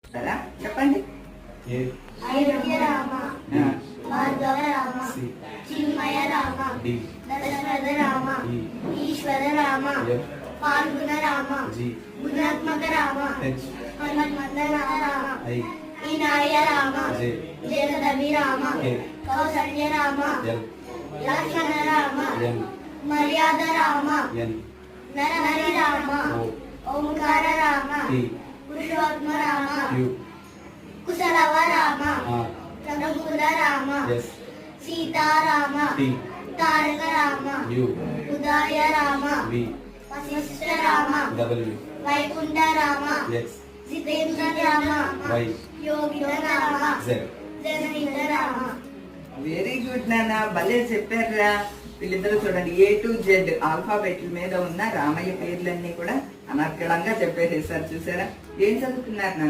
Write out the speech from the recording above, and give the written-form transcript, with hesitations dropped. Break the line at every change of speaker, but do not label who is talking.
కదా చెప్పండి.
అయోధ్య రామ,
ఆ,
భార్గవ రామ, చిన్మయ రామ, దశరథ రామ, ఈశ్వర రామ, పాల్గుణ రామ, గుణాత్మక రామ, హనుమంత రామ, వినాయ రామ, జగదవి రామ, కౌసల్య రామ, లక్ష్మణ రామ, మర్యాద రామ, నరహరి రామ, ఓంకార రామ, పురుషోత్తమ రామ, కుశలవ రామ, రఘుకుల రామ, సీతారామ, తారక రామ, ఉదయ రామ, వశిష్ఠ రామ, వైకుంఠ రామ, జితేంద్ర రామ, యోగిత రామ, జనహిత రామ.
వెరీ గుడ్ నాన్న, భలే చెప్పారా వీళ్ళిద్దరూ. చూడండి, A to Z ఆల్ఫాబెట్ల మీద ఉన్న రామయ్య పేర్లన్నీ కూడా అనర్గళంగా చెప్పేసేసారు. చూసారా? ఏం చదువుతున్నారు నాన్న?